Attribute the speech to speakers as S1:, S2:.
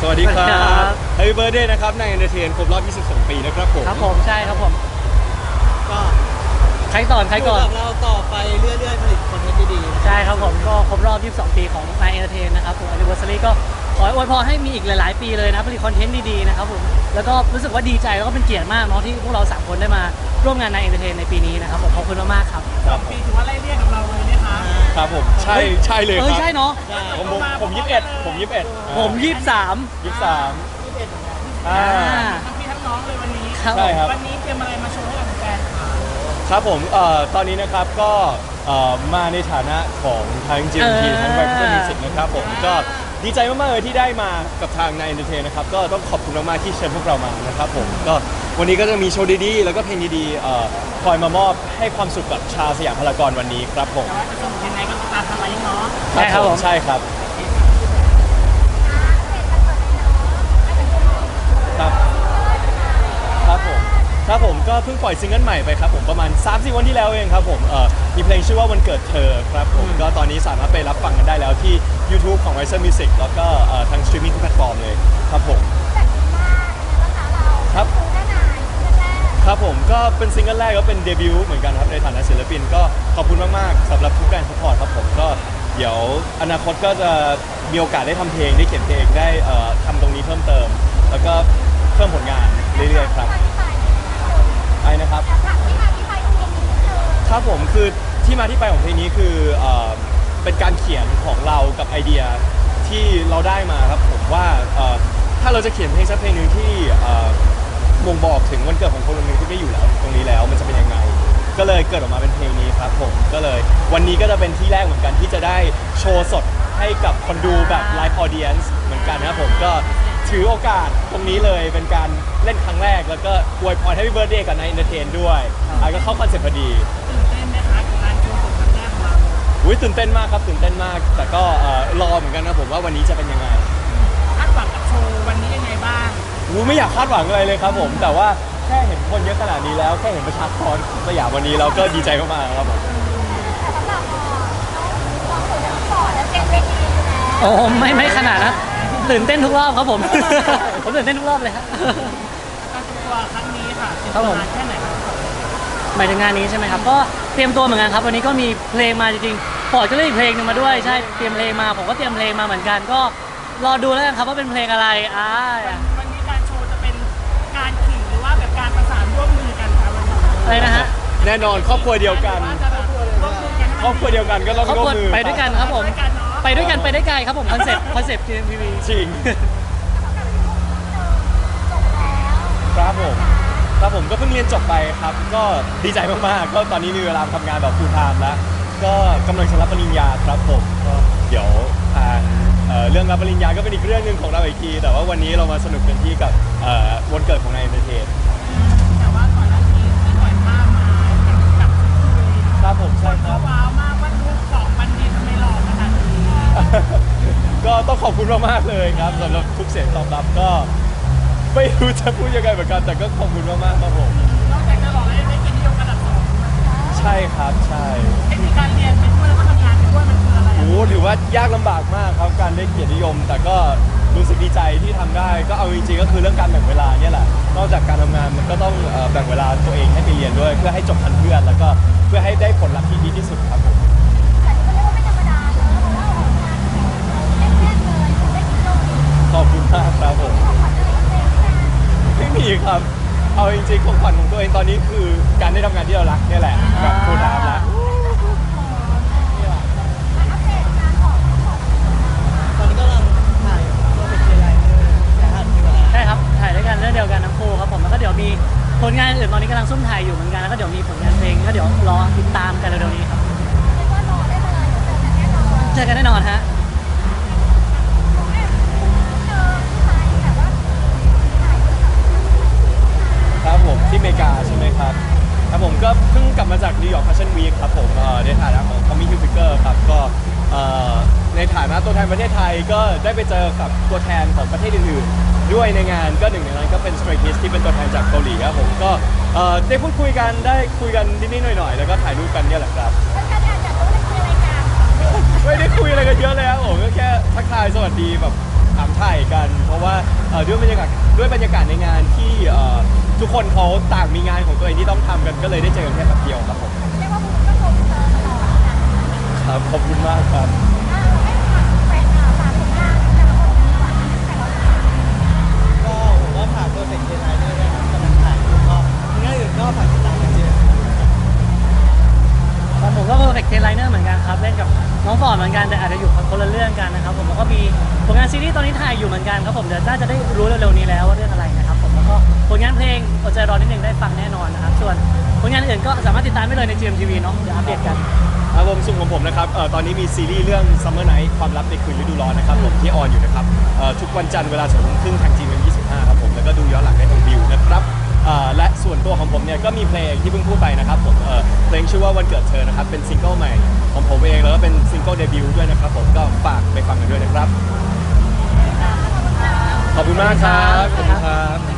S1: วัสดีครับ Happy Birthday นะครับนายเอนเตอร์เทนครบรอบ 22 ปีนะครับผม
S2: ครับผมใช่ครับผม
S3: ก็
S2: ใครก่อน
S3: อยู่กับเราต่อไปเรื่อยๆผลิตคอนเทนต์ดีๆ
S2: ใช่ครับผมก็ครบรอบ 22 ปีของนายเอนเตอร์เทนนะครับผม Anniversary ก็ขออวยพรให้มีอีกหลายๆปีเลยนะผลิตคอนเทนต์ดีๆนะครับผมแล้วก็รู้สึกว่าดีใจแล้วก็เป็นเกียรติมากเนาะที่พวกเรา3คนได้มาร่วมงานนายเอนเตอร์เทนในปีนี้นะครับผมขอบคุณมากๆครับ
S1: ครับ
S3: ปีถือว่าไล่เรียกกับเราเลยนะคะ
S1: ครับผมใช่เลยครับ
S2: ใช่เนาะ
S1: ผม21
S2: ผม23
S1: 23อ่า
S3: ทั้งพี่ทั้งน้องเลยวันนี้
S1: ใช่ครับ
S3: วันนี้เตรียมอะไรมาโชว์ให้กับแฟนๆ
S1: ครับผมตอนนี้นะครับก็มาในฐานะของทาง GMT ทั้ง Viper Music นะครับผมก็ดีใจมากๆเลยที่ได้มากับทางนายเอนเตอร์เทนนะครับก็ต้องขอบคุณมากๆที่เชิญพวกเรามานะครับผมก็วันนี้ก็จะมีโชว์ดีๆแล้วก็เพลงดีๆคอยมามอบให้ความสุขกับชาวสยามพารากอนวันนี้ครับผม
S3: แต่ว่าจะสนุกยังไงก็ติดตามทางไลน์เนาะ
S2: ใช่ครับผม
S1: ใช่ครับครับครับผมก็เพิ่งปล่อยซิงเกิลใหม่ไปครับผมประมาณ 3-4 วันที่แล้วเองครับผมมีเพลงชื่อว่าวันเกิดเธอครับผมก็ตอนนี้สามารถไปรับฟังกันได้แล้วที่ YouTube ของ Riser Music แล้วก็ทางสตรีมมิ่งทุกแพลตฟอร์มเลยครับผมครับครับผมก็เป็นซิงเกิลแรกก็เป็นเดบิวต์เหมือนกันครับในฐานะศิลปินก็ขอบคุณมากๆสำหรับทุกการสปอร์ตครับผมก็เดี๋ยวอนาคตก็จะมีโอกาสได้ทำเพลงได้เขียนเพลงได้ทำตรงนี้เพิ่มเติมแล้วก็เพิ่มผลงานเรื่อยๆครับไอ้นะครับครับผมคือที่มาที่ไปของเพลงนี้คือเป็นการเขียนของเรากับไอเดียที่เราได้มาครับผมว่าถ้าเราจะเขียนเพลงสักเพลงหนึ่งที่บ่งบอกถึงวันเกิดของคนคนหนึ่งที่ไม่อยู่แล้วตรงนี้แล้วมันจะเป็นยังไงก็เลยเกิดออกมาเป็นเพลงนี้ครับผมก็เลยวันนี้ก็จะเป็นที่แรกเหมือนกันที่จะได้โชว์สดให้กับคนดูแบบไลฟ์ออเดียนซ์เหมือนกันนะครับผมก็ถือโอกาสตรงนี้เลยเป็นการเล่นครั้งแรกแล้วก็อวยพร Happy Birthday กับนายเอนเตอร์เทนด้วยก็เข้าคอนเซ็ปต์พอดี
S3: ตื่นเต้นไหมคะกับการโชว์สดครั้งแรกของเรา
S1: ตื่นเต้นมากครับตื่นเต้นมากแต่ก็รอเหมือนกันนะผมว่าวันนี้จะเป็นยังไง
S3: คาดหวังกับโชว์วันนี้ยังไงบ้าง
S1: ไม่อยากคาดหวังอะไรเลยครับผมแต่ว่าแค่เห็นคนเยอะขนาดนี้แล้วแค่เห็นประชากรสยามวันนี้เราก็ดีใจมากๆครับผม
S2: โอ้ไม่ขนาดนะตื่นเต้นทุกรอบครับผม ผมตื่นเต้นทุกรอบเลยครับ
S3: การเตรียมตัวครั้งนี้ค่ะ
S2: ครับผม
S3: แค่ไหนครับ
S2: หมายถึงงานนี้ใช่ไหมครับก็เตรียมตัวเหมือนกันครับวันนี้ก็มีเพลงมาจริงๆปอดก็เล่นอีกเพลงนึงมาด้วยใช่เตรียมเพลงมาผมก็เตรียมเพลงมาเหมือนกันก็รอดูแล้วกันครับว่าเป็นเพลงอะไร
S3: วันนี้การโชว์จะเป็นการขิงหรือว่าแบบการประสานร่วมมือกันครับวันนี้
S2: อะไรนะฮะ
S1: แน่นอนครอบครัวเดียวกันครอบครัวเดียวกันก็ต้องร่วมมือ
S2: ไปด้วยกันครับผมไปด้วยกันไปได้ไกลครับผมคอนเซ็ปต์ GMTV
S1: จริงครับผมก็เพิ่งเรียนจบไปครับก็ดีใจมากๆก็ตอนนี้มีเวลาทำงานแบบ full time แล้วก็กำลังจะรับปริญญาครับผมก็เดี๋ยวทางเรื่องรับปริญญาก็เป็นอีกเรื่องหนึ่งของเราอีกทีแต่ว่าวันนี้เรามาสนุกกันที่กับวันเกิดของนายเอนเตอร์เทน
S3: แต่ว่าก่อนหน้านี้ที่ปล่อยภาพมากับ
S1: ครับผมใช่ครับ
S3: ว้าวมากว่าลูกของบัณฑิตทำไมหล่อขนาดนี้
S1: ก็ต้องขอบคุณมากๆเลยครับสำหรับทุกเสียงตอบรับก็ไม่รู้จะพูดยังไงเหมือนกันแต่ก็ขอบคุณมากๆครับผม
S3: นอกจากจะหล่อแล้วยังได้เกียรตินิยมระดับ2
S1: ใช่ครับใช่
S3: เทคนิคการเรียนไปด้วยแล้วก็ทำงานไปด้วยมันคืออะไร
S1: ถือว่ายากลำบากมากครับการได้เกียรตินิยมแต่ก็รู้สึกดีใจที่ทำได้ก็เอาจริงๆก็คือเรื่องการแบ่งเวลาเนี่ยแหละนอกจากการทำงานมันก็ต้องแบ่งเวลาตัวเองให้ไปเรียนด้วยเพื่อให้จบทันเพื่อนแล้วก็เพื่อให้ได้ผลลัพธ์ที่ดีที่สุดครับผมขอบคุณมากครับผมไม่มีครับเอาจริงๆของขวัญของตัวเองตอนนี้คือการได้ทำงานที่เรารักนี่แหละแบบฟูลไทม์แล้ว
S3: ตอนนี้กำลังถ่ายโปรเจกต์ใหญ่
S2: ใช่ครับถ่ายด้วยกันเรื่องเดียวกันทั้งคู่ครับผมแล้วก็เดี๋ยวมีผลงานอื่นตอนนี้กำลังซุ่มถ่ายอยู่เหมือนกันแล้วก็เดี๋ยวมีผลงานเพลงก็เดี๋ยวรอติดตามกันเร็วๆนี้ครับเจอกันแน่นอนฮะ
S1: ครับผมที่อเมริกาใช่ไหมครับครับผมก็เพิ่งกลับมาจากนิวยอร์กแฟชั่นวีคครับผมในฐานะของ Tommy Hilfiger ครับก็ในฐานะตัวแทนประเทศไทยก็ได้ไปเจอกับตัวแทนของประเทศอื่นๆด้วยในงานก็หนึ่งในนั้นก็เป็น Stray Kids ที่เป็นตัวแทนจากเกาหลีครับผมก็ได้พูดคุยกันได้คุยกันนิดๆหน่อยๆแล้วก็ถ่ายรูปกันเนี่ยแหละครับไม่ได้คุยอะไรกันเยอะเลยครับผมก็แค่ทักทายสวัสดีแบบถามถ่ายกัน เพราะว่าด้วยบรรยากาศในงานที่ทุกคนเขาต่างมีงานของตัวเองที่ต้องทำกันก็เลยได้เจอกันแค่แป๊บเดียวครับผม
S4: เรียกว่าคุณก็โกงเธอตลอดนะครับ
S1: ขอบคุณมากครับ
S4: ให้ฝากแฟนฝากผลงานแต่ละคนดีกว่าแต่ละคน
S5: ก็ผมว่าฝาก Perfect Day ด้วยนะครับกำลังถ่ายอยู่ก็งานอื่นก็ฝากติดตามกันเจอ
S2: ของผมก็ Perfect Day Liner เหมือนกันครับเล่นกับน้องฟอร์ดเหมือนกันแต่อาจจะอยู่คนละเรื่องกันนะครับผมแล้วก็มีผลงานซีรีส์ตอนนี้ถ่ายอยู่เหมือนกันครับผมเดี๋ยวน่าจะได้รู้เร็วๆนี้แล้วว่าเรื่องอะไรนะครับผมแล้วก็ผลงานเพลงอดใจรอนิดนึงได้ฟังแน่นอนนะครับส่วนผลงานอื่นก็สามารถติดตามได้เลยใน GMTV เนาะเดี๋ยวอัปเดตกัน
S1: ครับผมส่วนของผมนะครับตอนนี้มีซีรีส์เรื่อง Summer Night ความลับในคืนฤดูร้อนนะครับผมที่ออนอยู่นะครับทุกวันจันทร์เวลา2 ทุ่มครึ่งทาง GMM25 ครับผมแล้วก็ดูย้อนหลังได้ทางวิวนะครับและส่วนตัวของผมเนี่ยก็มีเพลงที่เพิ่งพูดไปนะครับผมเพลงชื่อว่าวันเกิดเธอนะครับเป็นซิงเกิลใหม่ของผมเองแล้วก็เป็นซิงเกิลเดบิวต์ด้วยนะครับผมก็ฝากไปฟังกันด้วยนะครับขอบคุณมากครับขอบคุณครับ